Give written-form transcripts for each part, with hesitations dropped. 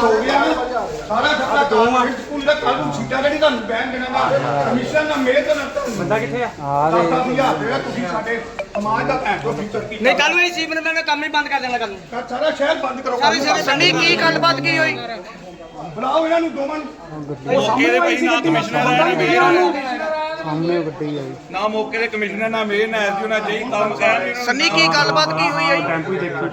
ਕੁਝ ਹੋ ਗਿਆ ਨਾ ਸਾਰਾ ਖਰਚਾ ਸਕੂਲ ਦਾ ਕੱਲ ਨੂੰ ਸੀਟਾਂ ਜਿਹੜੀ ਤੁਹਾਨੂੰ ਬੈਨ ਦੇਣਾ ਨਾ ਕਮਿਸ਼ਨ ਨਾ ਮੇਰੇ ਤੋਂ ਨਾ ਬੰਦਾ ਕਿੱਥੇ ਆ? 10,000 ਰੁਪਏ ਤੁਸੀਂ ਸਾਡੇ ਸਮਾਜ ਦਾ ਭੈਣ ਤੋਂ ਫਿਕਰ ਕੀਤਾ ਨਹੀਂ ਕੱਲ ਨੂੰ ਇਹ ਚੀਫ ਮਿਨਿਸਟਰ ਨੇ ਕੰਮ ਹੀ ਬੰਦ ਕਰ ਦੇਣਾ ਕੱਲ ਨੂੰ। ਸਾਰਾ ਸ਼ਹਿਰ ਬੰਦ ਕਰੋ ਸੰਨੀ ਕੀ ਗੱਲਬਾਤ ਕੀ ਹੋਈ? ਬੁਲਾਓ ਇਹਨਾਂ ਨੂੰ ਦੋਵਾਂ ਨੂੰ ਮੌਕੇ ਦੇ ਭਾਈ ਨਾ ਕਮਿਸ਼ਨਰ ਆਇਆ ਨਾ ਮੇਰੇ ਸਾਹਮਣੇ ਗੱਡੀ ਆਈ ਨਾ ਮੌਕੇ ਦੇ ਕਮਿਸ਼ਨਰ ਨਾ ਮੇਰੇ ਨਾ ਐਸਯੂ ਨਾ ਜਈ ਕੰਮ ਕਹਿ ਸੰਨੀ ਕੀ ਗੱਲਬਾਤ ਕੀ ਹੋਈ ਹੈ? ਟੈਂਪੂ ਦੇਖੀ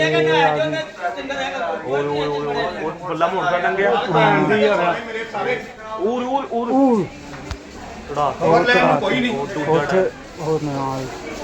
ਬੱਲਾ ਮੋਟਰ ਟੰਗਿਆ ਭੈਣ ਦੀ ਯਾਰ ਮੇਰੇ ਸਾਰੇ ਉਹ ਖਬਰ ਲੈਣ ਨੂੰ ਕੋਈ ਨਹੀਂ ਉੱਥੇ ਹੋਰ ਨਾਲ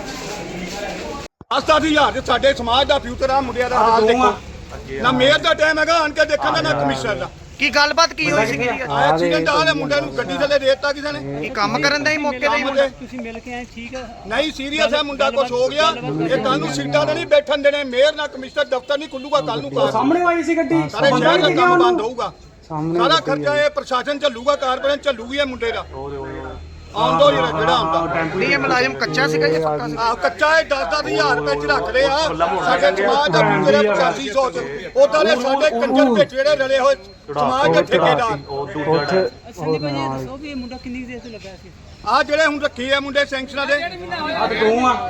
10,000 ਤੇ ਸਾਡੇ ਸਮਾਜ ਦਾ ਫਿਊਚਰ ਆ ਮੁੰਡਿਆਂ ਦਾ ਹਾਲ ਦੇਖੋ ਨਾ ਮੇਅਰ ਦਾ ਟਾਈਮ ਹੈਗਾ ਆਣ ਕੇ ਦੇਖਣ ਦਾ ਨਾ ਕਮਿਸ਼ਨਰ ਦਾ ਕੀ ਗੱਲਬਾਤ ਕੀ ਹੋਈ ਸੀ? ਐਕਸੀਡੈਂਟ ਆ ਰਿਹਾ ਮੁੰਡੇ ਨੂੰ ਗੱਡੀ ਥੱਲੇ ਦੇ ਦਿੱਤਾ ਕਿਸੇ ਨੇ ਕੀ ਕੰਮ ਕਰਨ ਦਾ ਹੀ ਮੌਕੇ ਦਾ ਹੀ ਮੁੰਡਾ? ਤੁਸੀਂ ਮਿਲ ਕੇ ਆਏ ਠੀਕ ਆ। ਨਹੀਂ ਸੀਰੀਅਸ ਹੈ ਮੁੰਡਾ ਕੁਝ ਹੋ ਗਿਆ ਇਹ ਕੱਲ ਨੂੰ ਸੀਟਾਂ ਤੇ ਨਹੀਂ ਬੈਠਣ ਦੇਣੇ ਮੇਅਰ ਨਾ ਕਮਿਸ਼ਨਰ ਦਫ਼ਤਰ ਨਹੀਂ ਖੁੱਲੂਗਾ ਕੱਲ ਨੂੰ ਕਾਰ ਸਾਹਮਣੇ ਆਈ ਸੀ ਗੱਡੀ ਸਾਰੇ ਸ਼ਹਿਰ ਦਾ ਕੰਮ ਬੰਦ ਹੋਊਗਾ ਸਾਹਮਣੇ ਸਾਰਾ ਖਰਚਾ ਇਹ ਪ੍ਰਸ਼ਾਸਨ ਝੱਲੂਗਾ ਕਾਰਪੋਰੇਸ਼ਨ ਝੱਲੂਗੀ ਇਹ ਮੁੰਡੇ ਦਾ ਆਉਂਦੋ ਜਿਹੜਾ ਆਉਂਦਾ ਨਹੀਂ ਇਹ ਮੁਲਾਜ਼ਮ ਕੱਚਾ ਸੀਗਾ ਜਾਂ ਪੱਕਾ ਸੀ? ਆ ਕੱਚਾ ਇਹ 10,000 ਰੁਪਏ ਚ ਰੱਖ ਲਿਆ ਸਾਡੇ ਸਮਾਜ ਦਾ ਫਿਊਚਰ ਹੈ 8500 ਚ ਉਦਾਂ ਦੇ ਸਾਡੇ ਕੰਜਰ ਵਿੱਚ ਜਿਹੜੇ ਰਲੇ ਹੋਏ ਸਮਾਜ ਦੇ ਠੇਕੇਦਾਰ ਉੱਥੇ ਸੰਨੀ ਭਾਜੀ ਇਹ ਦੱਸੋ ਵੀ ਇਹ ਮੁੰਡਾ ਕਿੰਨੀ ਦੇਰ ਤੋਂ ਲੱਗਾ ਸੀ? ਆ ਜਿਹੜੇ ਹੁਣ ਰੱਖੇ ਆ ਮੁੰਡੇ ਸੈਂਕਸ਼ਨਾਂ ਦੇ ਤੂੰ ਆ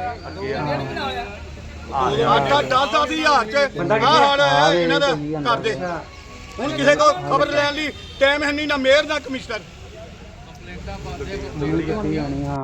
10,000 ਚ ਆ ਹਾਲ ਹੈ ਇਹਨਾਂ ਦਾ ਕਰਦੇ ਹੁਣ ਕਿਸੇ ਕੋ ਖਬਰ ਲੈਣ ਲਈ ਟਾਈਮ ਹੈ ਨਹੀਂ ਨਾ ਮੇਅਰ ਨਾ ਕਮਿਸ਼ਨਰ ਗੱਡੀ ਆਣੀ ਹਾਂ